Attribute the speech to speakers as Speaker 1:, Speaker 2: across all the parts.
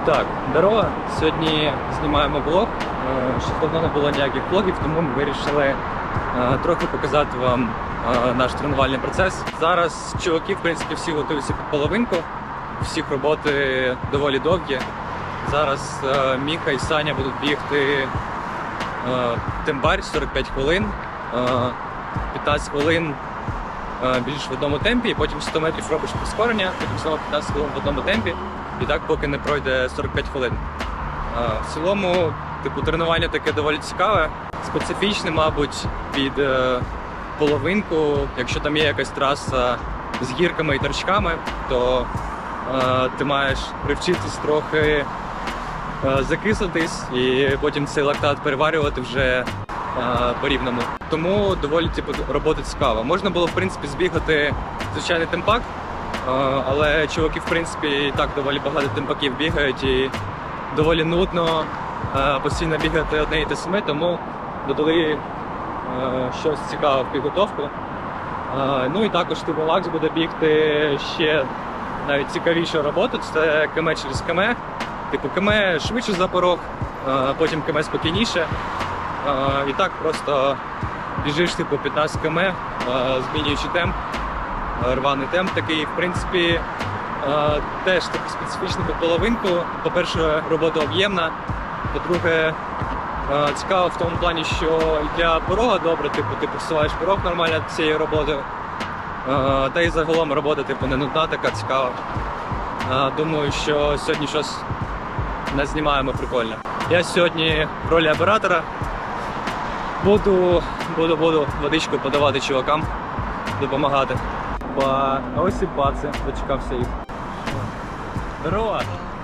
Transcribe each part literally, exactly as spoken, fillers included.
Speaker 1: Так, здорово. Сьогодні знімаємо влог. Ще давно не було ніяких влогів, тому ми вирішили е, трохи показати вам е, наш тренувальний процес. Зараз чуваки, в принципі, всі готуються під половинку. Всіх роботи доволі довгі. Зараз е, Міха і Саня будуть бігти е, тембар сорок п'ять хвилин, е, п'ятнадцять хвилин е, біжиш в одному темпі, і потім сто метрів робиш прискорення, потім знову п'ятнадцять хвилин в одному темпі. І так, поки не пройде сорок п'ять хвилин. В цілому, типу, тренування таке доволі цікаве, специфічне, мабуть, під е, половинку. Якщо там є якась траса з гірками і торчками, то е, ти маєш привчитись трохи е, закислитись і потім цей лактат переварювати вже е, по-рівному. Тому доволі, типу, робота цікава. Можна було, в принципі, збігати звичайний темпак, але чуваки, в принципі, і так доволі багато темпаків бігають і доволі нудно постійно бігати одне і те саме, тому додали щось цікаве в підготовку. Ну і також типу Лакс буде бігти ще навіть цікавішу роботу, це КМ через КМ. Типу КМ швидше за порог, потім КМ спокійніше. І так просто біжиш типу п'ятнадцять км, змінюючи темп. Рваний темп такий, в принципі, е, теж такий специфічний під половинку. По-перше, робота об'ємна. По-друге, е, цікаво в тому плані, що і для порога добре, типу, ти просуваєш порог нормально цією роботою. Е, та й загалом робота типу, не нудна, така цікава. Е, думаю, що сьогодні щось назнімаємо прикольне. Я сьогодні в ролі оператора. Буду, буду, буду водичку подавати чувакам, допомагати. А ось і паци, дочекався їх. Здорово!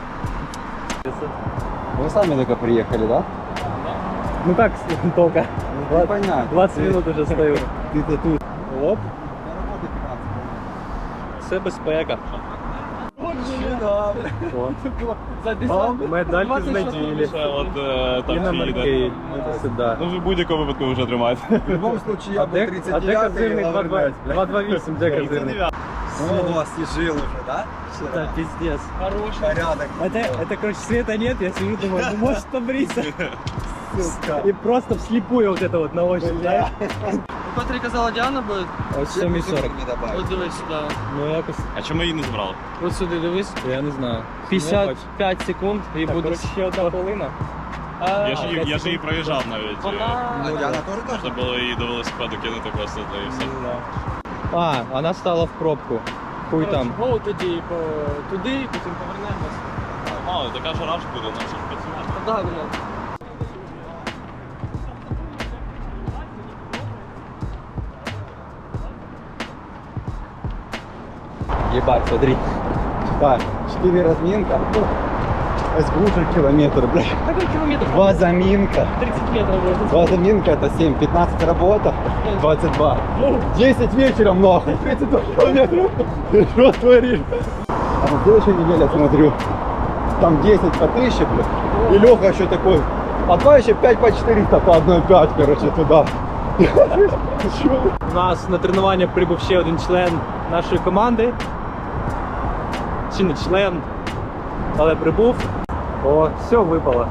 Speaker 2: Вы сами только приехали, да?
Speaker 1: Ну как только?
Speaker 2: Ну, понятно.
Speaker 1: двадцать минут уже стою.
Speaker 2: Ты-то тут.
Speaker 1: Оп. Це безпека. Медаль з неділі. І номерки. Сюди.
Speaker 3: Ну, в будь-якому випадку вже тримаєте.
Speaker 2: В любом случае, я был тридцать девятый.
Speaker 1: А де козирний два два вісім? Де козирний?
Speaker 2: О, освежил уже, да?
Speaker 1: Да, пиздец.
Speaker 2: Хороший. Порядок.
Speaker 1: Это, это, короче, света нет, я сижу, думаю, ну может побриться. И просто вслепую вот это вот на ощупь, да?
Speaker 4: Котрий казала Діана буде?
Speaker 1: Ось сьомий сорок.
Speaker 4: От дивись сюди.
Speaker 1: Ну якось,
Speaker 3: А чому її не забрали?
Speaker 4: От сюди дивись.
Speaker 1: я не знаю.
Speaker 4: п'ятдесят п'ять секунд і
Speaker 1: Так,
Speaker 4: буде.
Speaker 1: коротше, ще одна хвилина.
Speaker 4: А,
Speaker 3: Я ж її, я ж її проїжджав навіть.
Speaker 4: Вона...
Speaker 2: Ну, Диана тоже
Speaker 3: Можна
Speaker 2: тоже?
Speaker 3: було її до велосипеду кинути просто та і все.
Speaker 1: А, вона стала в пробку. Хуй там.
Speaker 4: Гоу тоді по... туди, потім повернемось.
Speaker 3: Мало, така жара ж буде, наче працювати.
Speaker 4: Так, блядь.
Speaker 2: Ебать, смотри. Так, четыре разминка. СБУшек километр, блядь.
Speaker 4: Какой километр?
Speaker 2: Два заминка.
Speaker 4: тридцать метров будет.
Speaker 2: Два заминка это семь, пятнадцать работа, двадцать два. десять вечером нахуй, тридцать два километра. Ты что творишь? А на следующей неделе смотрю, там десять по тысяче, блядь. И Леха еще такой, а два еще пять по четыреста, по одной пять, короче, туда.
Speaker 1: У нас на тренування прибув ще один член нашої команди. Чи не член, але прибув. О, все випало.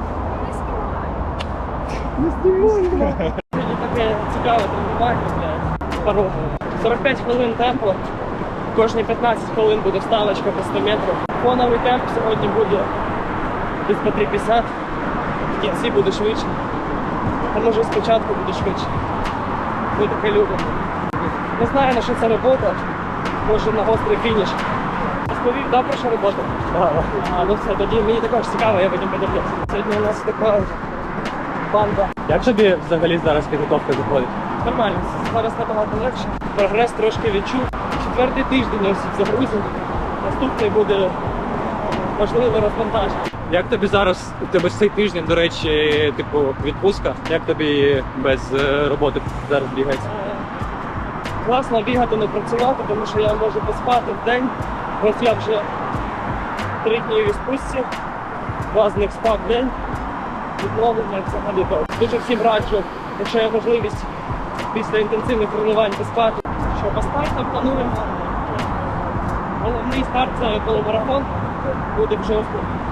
Speaker 4: Сьогодні таке цікаве тренування, блядь. Порог. сорок п'ять хвилин темпу. Кожні п'ятнадцять хвилин буде вставочка по сто метрів. Фоновий темп сьогодні буде десь по три п'ятдесят. В кінці буде швидше. А може спочатку буде швидше. Ми таке любимо. Не знаю, на що це робота. Може на гострий фініш. Розповів, да, про що робота? А, ну все, тоді мені також цікаво, я потім подивлюся. Сьогодні у нас така банда.
Speaker 1: Як тобі взагалі зараз підготовка заходить?
Speaker 4: Нормально, зараз набагато легше. Прогрес трошки відчув. Четвертий тиждень ось загрузив. Наступний буде можливо розвантаження.
Speaker 1: Як тобі зараз, у тебе ж цей тиждень, до речі, типу відпустка? Як тобі без е, роботи зараз бігається?
Speaker 4: Е, Класно бігати, не працювати, тому що я можу поспати в день. Ось я вже три дні в відпустці, два з них спав в день. Відновлення взагалі. Дуже всім раджу, якщо є можливість після інтенсивних тренувань поспати. Що по старту плануємо. Головний старт це полумарафон, буде в жовтні.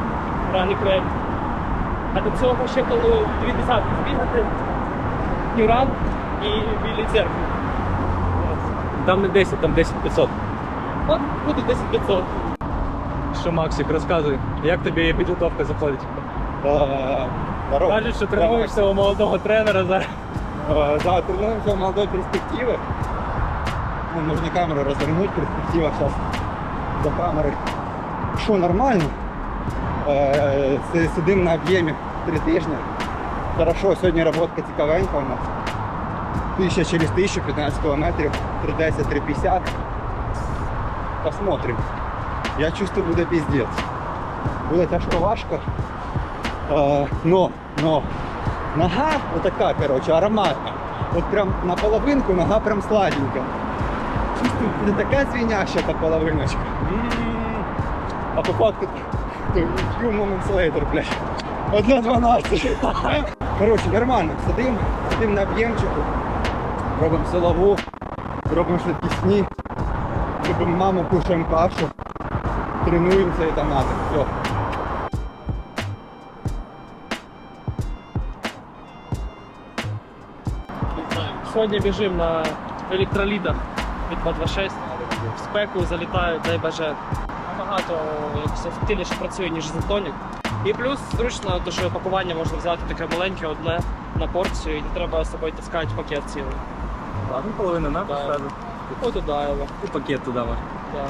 Speaker 4: ранній проєкт. А до цього ще планую дві десятки збігати, Нюран і Білі церкви.
Speaker 1: Там не десять, там десять п'ятсот.
Speaker 4: От буде десять п'ятсот.
Speaker 1: Що, Максик, розказуй, як тобі підготовка заходить?
Speaker 2: Э, здорово.
Speaker 1: Кажуть, що тренуєшся у молодого тренера зараз.
Speaker 2: Э, Да, тренируемся в молодой перспективы. Ну, нужно камеру развернуть, перспектива сейчас до камеры. Що, нормально? Э, си- Сидим на об'ємі три тижні. Хорошо, сьогодні роботка цікавенька у нас. Тисяча через тисячу, п'ятнадцять кілометрів, три десять, три п'ятдесят. Посмотрим. Я чувствую, буде піздець. Буде тяжко важко. Е, но, но, нога отака, короче, ароматна. От прям на половинку нога прям сладенька. Чувствую, буде така звіняща та половиночка. М-м-м. А по факту, few moments later, блядь. Одна дванадцять. Короче, нормально. Сидим, сидим на об'ємчику, робимо силову, робимо швидкісні, робимо маму, кушаємо кашу, тренуємося і там надо. Все.
Speaker 4: Сьогодні біжимо на електролітах від два двадцять шість. В спеку залітають, дай боже, набагато якось ефективніше працює, ніж Зентонік. І плюс зручно, то, що пакування можна взяти таке маленьке, одне на порцію, і не треба з собою таскати пакет цілий.
Speaker 1: Ладно, половину на
Speaker 4: Да.
Speaker 1: сразу.
Speaker 4: От туди його.
Speaker 1: І пакет туди можна.
Speaker 4: Да.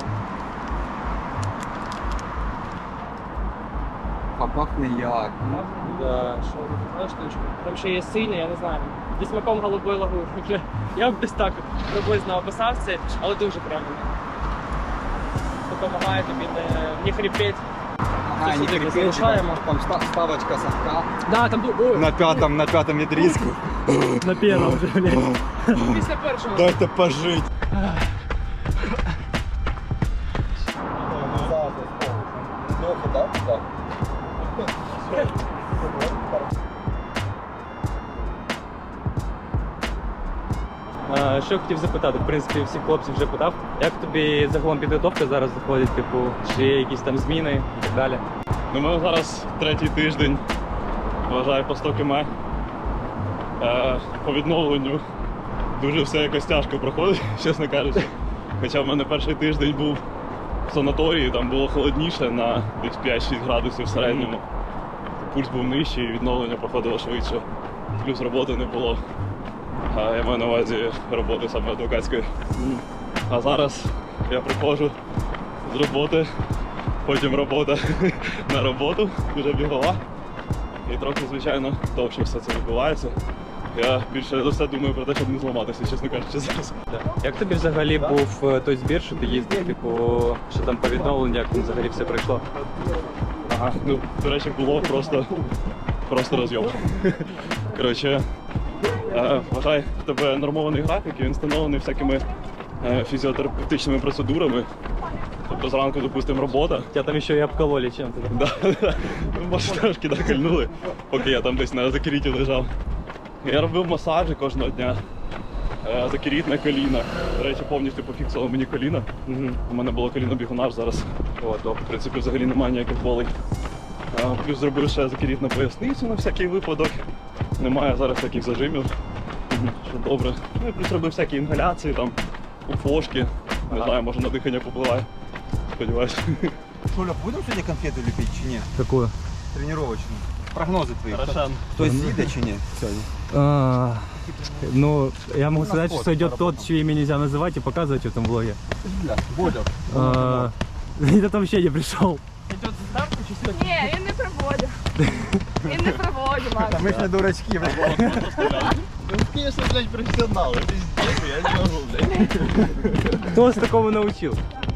Speaker 2: А пахне як.
Speaker 4: Да, що, знаєш, штучка. Там ще є синя, я не знаю. Зі смаком голубої лагуни. Вже я б десь так приблизно описав це, але дуже приємно. Допомагає тобі не, не хрипеть.
Speaker 2: Ага,
Speaker 4: Це
Speaker 2: не
Speaker 4: сюди
Speaker 2: крепеть,
Speaker 4: залишаємо.
Speaker 2: там ста- ставочка совка.
Speaker 4: Да, там ду-
Speaker 2: На пятом, на пятом відрізку.
Speaker 1: На першому вже, блядь.
Speaker 4: після першого.
Speaker 2: Дайте пожить.
Speaker 1: А, Що хотів запитати, в принципі, всіх хлопців вже питав. Як тобі загалом підготовка зараз заходить, типу, чи є якісь там зміни і так далі?
Speaker 3: Ну, ми зараз третій тиждень, вважаю, по сто км. Е, по відновленню дуже все якось тяжко проходить, чесно кажучи. Хоча в мене перший тиждень був в санаторії, там було холодніше на десь п'ять-шість градусів в середньому. Пульс був нижчий, і відновлення проходило швидше. Плюс роботи не було. А я маю на увазі роботи саме адвокатської. А зараз я приходжу з роботи, потім робота на роботу, вже бігова. І трохи, звичайно, довше все це відбувається. Я більше за все думаю про те, щоб не зламатися, чесно кажучи, зараз.
Speaker 1: Як тобі взагалі був е, той збір, що ти їздив, типу, що там по відновленню, як там взагалі все пройшло?
Speaker 3: Ага, ну, до речі, було просто, просто розйом. Коротше, е, вважай, в тебе нормований графік, і він встановлений всякими е, фізіотерапевтичними процедурами. Тобто зранку, допустимо, робота.
Speaker 1: Тебя там ще й обкололи чим-то.
Speaker 3: Да, да. Може, трошки накольнули, поки я там десь на закіріті лежав. Я робив масажі кожного дня. Е, Закіріт на колінах. До речі, повністю пофіксував мені коліна.
Speaker 1: Угу.
Speaker 3: У мене було коліно-бігунаж зараз. О, то, в принципі, взагалі немає ніяких болей. Е, Плюс зробив ще закіріт на поясницю на всякий випадок. Немає зараз таких зажимів. Що добре. Ну і плюс робив всякі інгаляції, там, уфошки. Не знаю, може на дихання попливає. Сподіваюсь.
Speaker 2: Шуля, будем сегодня конфету лепить чи ні?
Speaker 1: Какую?
Speaker 2: Тренировочную. Прогнозы твои.
Speaker 3: Рошен.
Speaker 2: Хтось їде чи ні сьогодні?
Speaker 1: А, ну, я могу
Speaker 2: На
Speaker 1: сказать,
Speaker 2: вход
Speaker 1: что идет
Speaker 2: поработал.
Speaker 1: тот, чье имя нельзя называть и показывать в этом влоге.
Speaker 2: Бля, Бодя.
Speaker 1: А, Этот вообще не пришел.
Speaker 4: Йдет заставка чи що?
Speaker 5: Ні, він не проводив. Він не проводив,
Speaker 2: Та
Speaker 5: Макс.
Speaker 2: ми ж не дурачки, блядь.
Speaker 3: Ну, конечно, блядь, профессионалы. Пиздец, я не могу, блядь.
Speaker 1: Кто вас такому научил?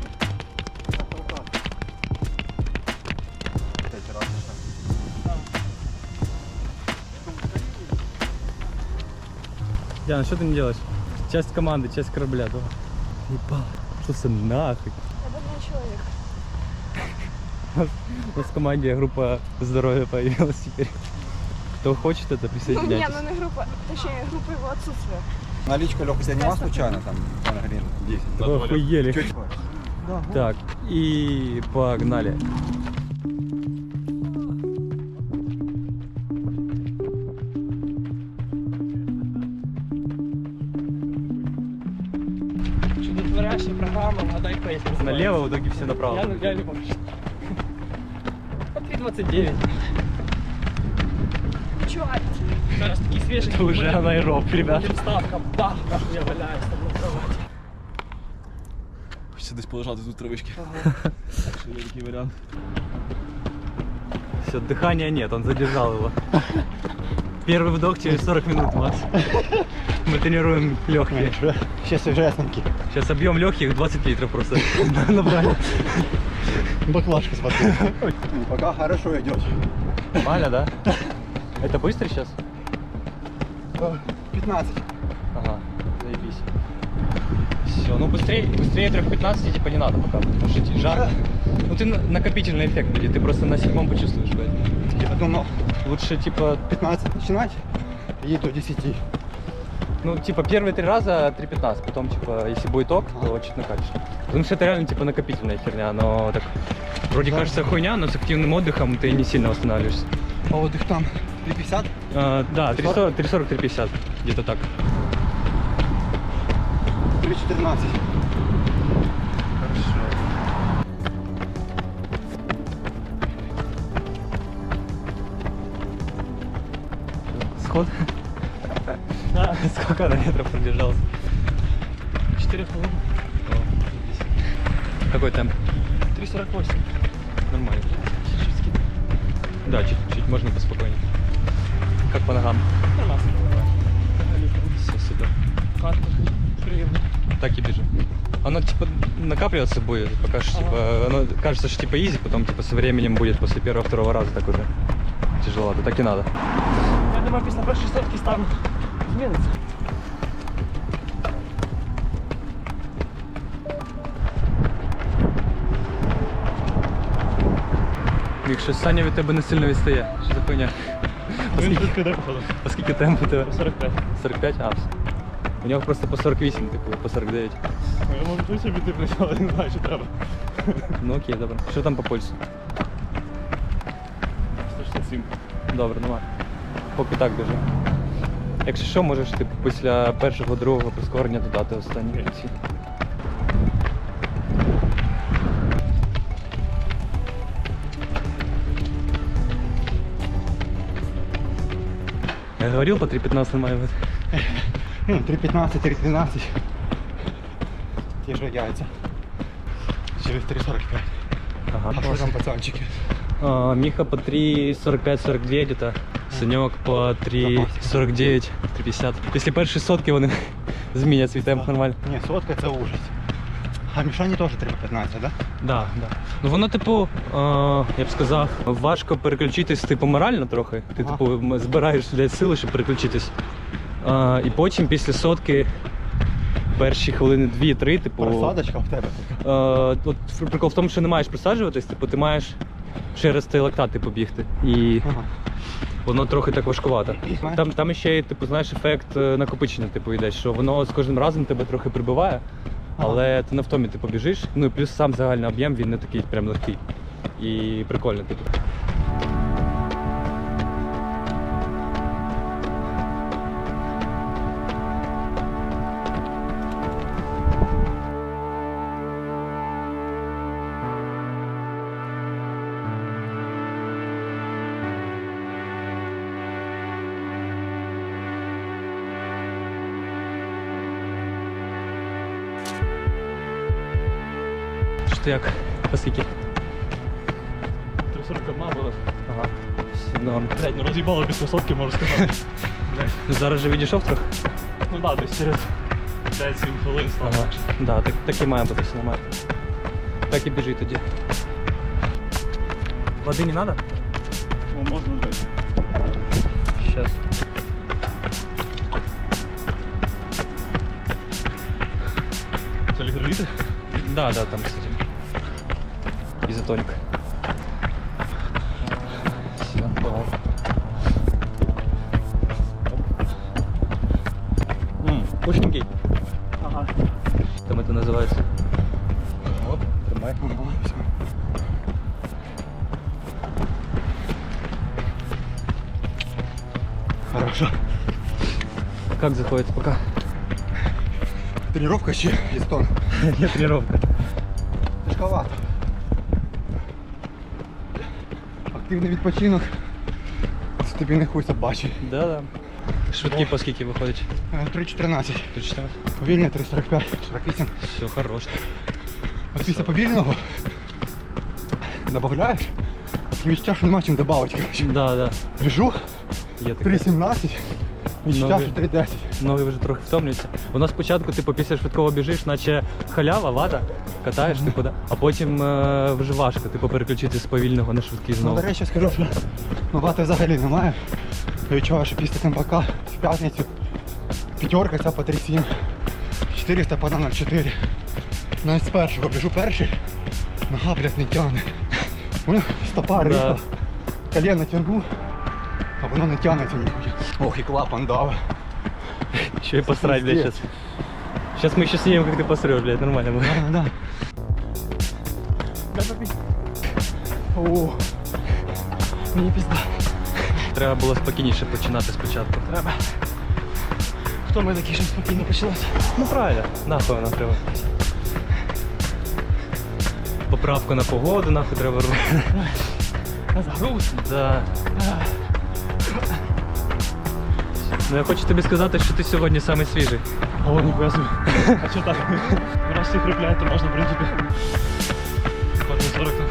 Speaker 1: Диана, что ты не делаешь? Часть команды, часть корабля, да? Ебал, что за нахуй?
Speaker 5: Я больной человек.
Speaker 1: У нас в команде группа здоровья появилась теперь. Кто хочет это,
Speaker 5: Ну, ні,
Speaker 1: присоединяйтесь.
Speaker 5: ну не група, точніше, група його отсутствия.
Speaker 2: Наличка, Леха, тебя нема случайно там? Пан Грин, десять.
Speaker 1: Вы охуели.
Speaker 2: Чуть.
Speaker 1: Так, и погнали.
Speaker 4: Настоящая программа, гадай пейс.
Speaker 1: Налево, в итоге все направо.
Speaker 4: Я, я не помню. По три двадцать девять.
Speaker 5: Чувак.
Speaker 4: Зараз такий свіжий.
Speaker 1: Это уже анаэроб, ребят.
Speaker 4: Ставка, да, я валяюсь там на кровати.
Speaker 3: Хочеться десь полежати тут травички. Якщо є такий варіант.
Speaker 1: Все, дыхания нет, он задержал его. Первый вдох через сорок минут, Макс. Мы тренируем легкие.
Speaker 2: Сейчас свежесенький.
Speaker 1: Сейчас объем легких двадцать литров просто набрали.
Speaker 2: Баклажка, смотри. Пока хорошо идет.
Speaker 1: Нормально, да? Это быстро сейчас?
Speaker 2: пятнадцать.
Speaker 1: Ага, заебись. Все, ну быстрее, быстрее трех пятнадцати типа не надо пока, потому что тебе жарко. Ну ты на- накопительный эффект будет, ты просто на седьмом почувствуешь поэтому.
Speaker 2: Я думал,
Speaker 1: Лучше типа,
Speaker 2: пятнадцать начинать и до десяти.
Speaker 1: ну типа первые три раза три пятнадцать, потом типа если будет ок, то чуть накатишь. Потому что это реально типа накопительная херня, но так вроде
Speaker 2: Да.
Speaker 1: кажется хуйня, но с активным отдыхом ты не сильно восстанавливаешься.
Speaker 2: А вот их там три пятьдесят.
Speaker 1: А, да, три сорок три пятьдесят, где-то так.
Speaker 2: три четырнадцать.
Speaker 1: Хорошо. Сход?
Speaker 4: Да,
Speaker 1: Сколько на метров пробежался?
Speaker 4: четыре хвилини.
Speaker 1: Какой темп?
Speaker 4: три сорок восемь.
Speaker 1: Нормально. Да, чуть-чуть, можно поспокойнее. Как по ногам?
Speaker 4: Нормально.
Speaker 1: Все, супер.
Speaker 4: Хатка, приємно.
Speaker 1: Так и бежим. Оно типа накапливаться будет, пока что типа, оно кажется, что типа изи, потом типа со временем будет после первого-второго раза так уже тяжеловато, так и надо.
Speaker 4: Я думаю, після першої сотки стан зміниться.
Speaker 1: Мік, щось Саня від тебе не сильно відстає. Що за хуйня?
Speaker 3: Він швидко йде, походу.
Speaker 1: Оскільки темп у тебе?
Speaker 3: сорок п'ять.
Speaker 1: сорок п'ять? А, все. У нього просто по сорок вісім, типу, по сорок дев'ять.
Speaker 3: Я можу тут собі ти але не знаю, чи треба.
Speaker 1: Ну окей, добре. Що там по пульсу?
Speaker 3: сто шістдесят сім.
Speaker 1: Добре, нормально. Поки так біжи. Якщо що, можеш типу, після першого, другого прискорення додати останні
Speaker 3: Окей.
Speaker 1: ці. Я говорил, по три пятнадцать нормально будет.
Speaker 2: три пятнадцать, три тринадцать. Те же яйца. Через три сорок пять.
Speaker 1: Ага,
Speaker 2: А что там пацанчики?
Speaker 1: А, Миха по три сорок пять сорок два где-то. Санек по три сорок девять три пятьдесят. Після першої сотки вони змінять свій темп нормально.
Speaker 2: Не, сотка это ужас. А Мишані теж три пятнадцать, да?
Speaker 1: Да, да. Ну воно, типу, е, я б сказав, важко переключитись, типу, морально трохи. Ти,
Speaker 2: Ага.
Speaker 1: типу, м- збираєш блядь, сили, щоб переключитись. Е, і потім після сотки перші хвилини дві-три, типу.
Speaker 2: Просадочка в тебе така.
Speaker 1: Е, от прикол в тому, що не маєш присаджуватись, типу, ти маєш через цей лактат типу, бігти. І
Speaker 2: Ага.
Speaker 1: воно трохи так важкувато.
Speaker 2: Знаєш-
Speaker 1: Там, там ще, типу, знаєш, ефект е, накопичення, типу, йде, що воно з кожним разом тебе трохи прибиває, але ти на втомі типу, біжиш. Ну і плюс сам загальний об'єм, він не такий прям легкий. І прикольно, типу. Що ти як? Оскільки?
Speaker 3: три сорок один буде.
Speaker 1: Ага. Все норм.
Speaker 3: Блять, ну роз'їбало після сотки, можу сказати.
Speaker 1: Зараз же відійшов трохи?
Speaker 3: Ну так, десь через п'ять-сім хвилин стало.
Speaker 1: Ага. Да, так, так і має бути все нормально. Так і біжи тоді. Води не треба?
Speaker 3: Ну, можна дати.
Speaker 1: Сейчас.
Speaker 3: Це літр?
Speaker 1: Да, да, там, кстати. Изотоник. Все, давай. Ммм, вкусненький.
Speaker 4: Ага.
Speaker 1: Там это называется. Оп, тримай.
Speaker 2: Ага, всё. Хорошо.
Speaker 1: Как заходит пока?
Speaker 2: Тренировка чи листон?
Speaker 1: Є тренування.
Speaker 2: Тяжковато. Активний відпочинок. Це тобі не хуй собачий.
Speaker 1: Да, да. Швидкі по скільки виходить?
Speaker 2: три чотирнадцять.
Speaker 1: Ти читав?
Speaker 2: Повільне три сорок п'ять, сорок вісім.
Speaker 1: Все, хорош.
Speaker 2: А після повільного добавляєш, і відчуття, що нема чим додати, коротше.
Speaker 1: Да, да.
Speaker 2: Біжу,
Speaker 1: Є таке.
Speaker 2: три сімнадцять, відчуття,
Speaker 1: Ноги.
Speaker 2: що три десять.
Speaker 1: Ноги вже трохи втомлюються. У нас спочатку, типу, після швидкого біжиш, наче халява, вата, катаєш, типу, да? А потім е, вже важко, типу, переключити з повільного на швидкий
Speaker 2: Ну,
Speaker 1: знову.
Speaker 2: до речі, скажу, що ну, вати взагалі немає. Я відчуваю, що після темпака в п'ятницю п'ятерка ця по три сім, чотириста по нуль чотири. Навіть з першого біжу перший, нога, блядь, не тягне. Воно стопа
Speaker 1: Да.
Speaker 2: риха, колено тягну, а воно не тягнеться ніхуя. Ох, і клапан дави.
Speaker 1: Еще и посрать, блядь, сейчас. Сейчас мы еще снимем, как ты посрешь, блядь, нормально будет.
Speaker 2: Да, да. О, мені пізда.
Speaker 1: Треба було спокійніше починати спочатку.
Speaker 2: Треба. Хто ми такі, щоб спокійно почалося?
Speaker 1: Ну правильно, нахуй нам треба. Поправку на погоду, нахуй треба робити.
Speaker 2: На загруз.
Speaker 1: Да. Ну я хочу тобі сказати, що ти сьогодні самий свіжий.
Speaker 3: О, ніхуя собі. А що так? Раз всіх кріпляють, то можна, в принципі. Кожен сорок там.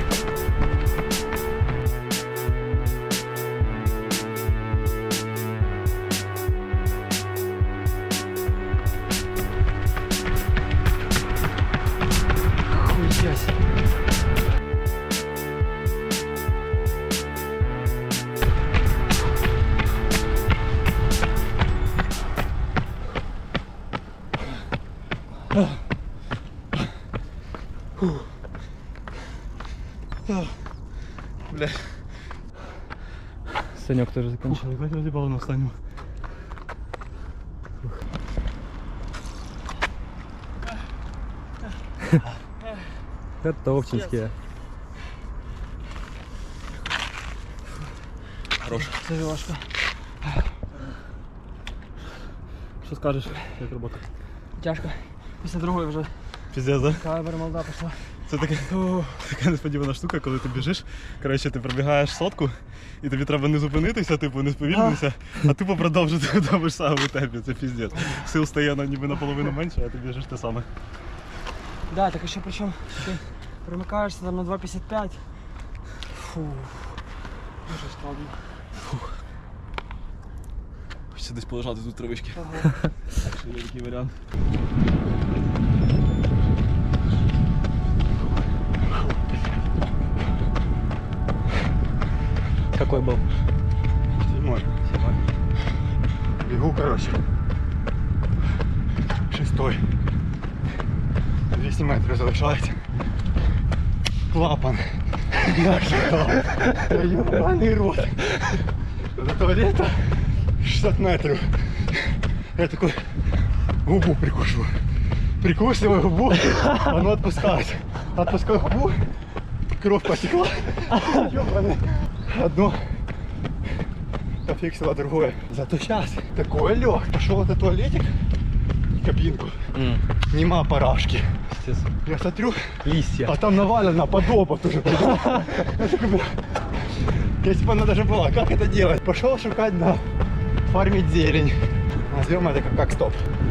Speaker 1: Хуясь.
Speaker 3: Бля.
Speaker 1: Санек тоже закончил.
Speaker 3: Ебать, роз'їбало на останньому.
Speaker 1: Готовченькие.
Speaker 3: Хорош.
Speaker 4: Це важко.
Speaker 3: Що скажеш, як робота?
Speaker 4: Тяжко. Після другої вже
Speaker 3: Піздець, да?
Speaker 4: кавер молода пішла.
Speaker 3: Це така, така несподівана штука, коли ти біжиш. Коротше, ти пробігаєш сотку, і тобі треба не зупинитися, типу, не сповільнитися, а тупо продовжити в тому ж самому темпі. Це піздець. Сил стає на ніби наполовину менше, а ти біжиш те саме.
Speaker 4: Да, так ще причому ти примикаєшся там на два п'ятдесят п'ять. Фу. Дуже складно.
Speaker 3: Хочеться десь полежати тут травички.
Speaker 4: Ага.
Speaker 3: Так що є такий варіант.
Speaker 1: Какой был?
Speaker 2: Седьмой. Бегу, короче. Шестой. двісті метрів залишається. Клапан. Я шукав. Ебаний рот. До туалета шістдесят метрів. Я такой губу прикушу. Прикусываю губу, оно отпускает. Отпускаю губу, кровь потекла. Ёбаный. Одно пофиксило другое. Зато сейчас такое лег. Пошел в этот туалетик, кабинку.
Speaker 1: М,
Speaker 2: Нема парашки.
Speaker 1: естественно.
Speaker 2: Я смотрю,
Speaker 1: Листья.
Speaker 2: а там навалено подобот уже. Я такой, бля, если бы она даже была, как это делать? Пошел шукать на фармить зелень. Назовем это как, как стоп.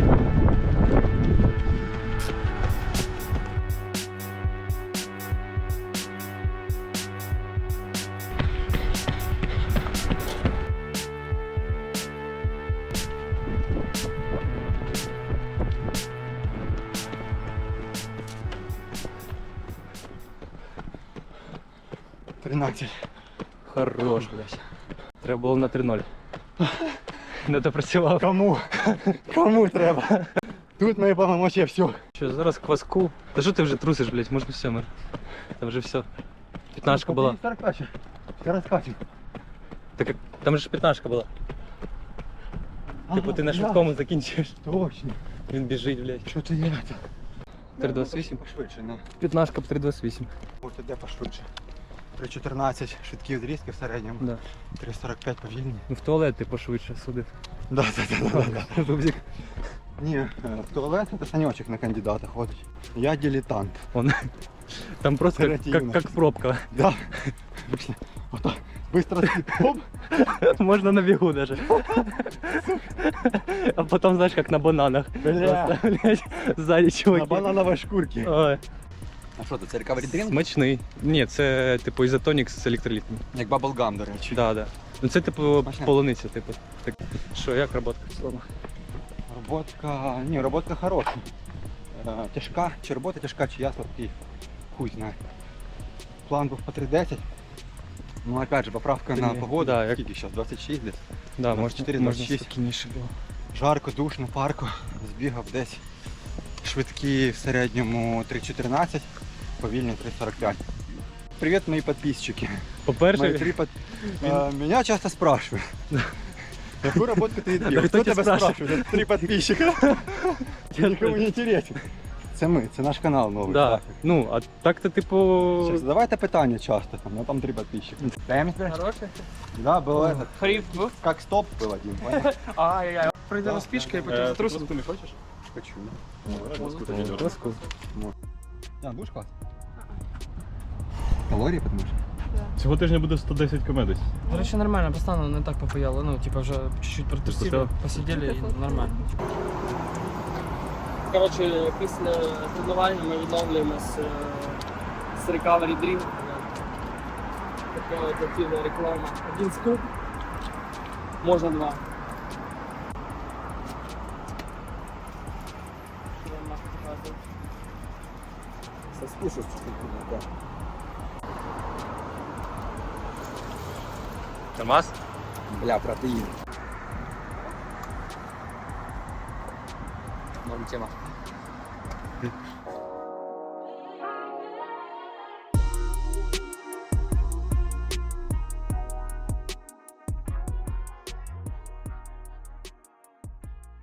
Speaker 2: тринадцять.
Speaker 1: Хорош, блядь. Треба було на три ноль. Не допрацював.
Speaker 2: Кому? Кому треба? Тут мої повномочия все.
Speaker 1: Що, зараз кваску? Та що ти вже трусиш, блядь, можна все, мир. Там вже все. П'ятнашка була.
Speaker 2: Все раскатим.
Speaker 1: Так як- там же ж п'ятнашка була. Типу ти на швидкому закінчуєш.
Speaker 2: Точно.
Speaker 1: Він біжить, блядь.
Speaker 2: Що ти є?
Speaker 1: три двадцять вісім.
Speaker 2: Пошвидше, ну.
Speaker 1: П'ятнашка по три двадцять вісім.
Speaker 2: Ось іде пошвидше. три чотирнадцять швидкі відрізки в середньому.
Speaker 1: Да.
Speaker 2: три сорок п'ять повільні.
Speaker 1: Ну в туалет ти пошвидше судив.
Speaker 2: Да, да, да, да, да.
Speaker 1: Бубзик.
Speaker 2: Не, э, в туалет это Санечек на кандидата ходит. Я дилетант.
Speaker 1: Он... Там просто как,
Speaker 2: Оперативно.
Speaker 1: как, как пробка.
Speaker 2: Да. Обычно вот так быстро оп,
Speaker 1: Можно на бегу даже. А потом, знаешь, как на бананах.
Speaker 2: Бля.
Speaker 1: Просто, блядь, сзади
Speaker 2: на
Speaker 1: чуваки.
Speaker 2: банановой шкурке.
Speaker 1: Ой,
Speaker 2: А що це, це recovery drink?
Speaker 1: смачний. Ні, це типу ізотонік з електролітом.
Speaker 2: Як bubblegum, до речі.
Speaker 1: Да, да. Ну це типу
Speaker 2: Смачне.
Speaker 1: полуниця, типу. Так. Що, як роботка в цілому?
Speaker 2: Роботка, ні, роботка хороша. Е, тяжка, чи робота тяжка, чи я слабкий. Хуй знає. План був по три десять. Ну опять же, поправка на
Speaker 1: Блін,
Speaker 2: погоду.
Speaker 1: да, як-
Speaker 2: Скільки зараз? двадцять шість десь.
Speaker 1: Да,
Speaker 2: двадцять чотири,
Speaker 1: можна,
Speaker 2: двадцять
Speaker 1: можна
Speaker 2: шість.
Speaker 1: спокійніше було.
Speaker 2: Жарко, душно, парко. Збігав десь. Швидкі в середньому три чотирнадцять, повільні три сорок п'ять. Привіт, мої підписчики. Мои
Speaker 1: По-перше,
Speaker 2: три под... А, меня часто спрашивают. Какую работу ты
Speaker 1: Да,
Speaker 2: делаешь?
Speaker 1: кто
Speaker 2: Кто
Speaker 1: тебя
Speaker 2: тебя спрашивает? Три подписчика. Никому не интересен. Це ми, це наш канал новий.
Speaker 1: да.
Speaker 2: так.
Speaker 1: Ну, а так-то типу.
Speaker 2: Щас, задавайте питання часто, там, ну там три подписчика.
Speaker 4: Хороший.
Speaker 2: Да, был этот,
Speaker 4: Фриф був.
Speaker 2: как стоп был один, понял?
Speaker 4: Ай-яй-яй. Пройдемо з пішки і потім
Speaker 3: Е,
Speaker 4: затрусимо.
Speaker 3: Ти не хочеш?
Speaker 2: Хочу.
Speaker 1: Ласку.
Speaker 2: А, будешь класс? Калории, потому что?
Speaker 3: Цього тижня буде сто десять комедій.
Speaker 4: До речі, нормально, постану не так попояло. Ну, типа вже чуть-чуть протрусили,
Speaker 3: Посидели?
Speaker 4: посиділи і нормально. Коротше, після тренування ми відновлюємось е, з Recovery Dream. Така от активна реклама. Один скуп, можна два. Що вам нахуй показує?
Speaker 2: Соскушать чуть-чуть, да.
Speaker 1: Нормас?
Speaker 2: Бля, протеин.
Speaker 1: Норм тема.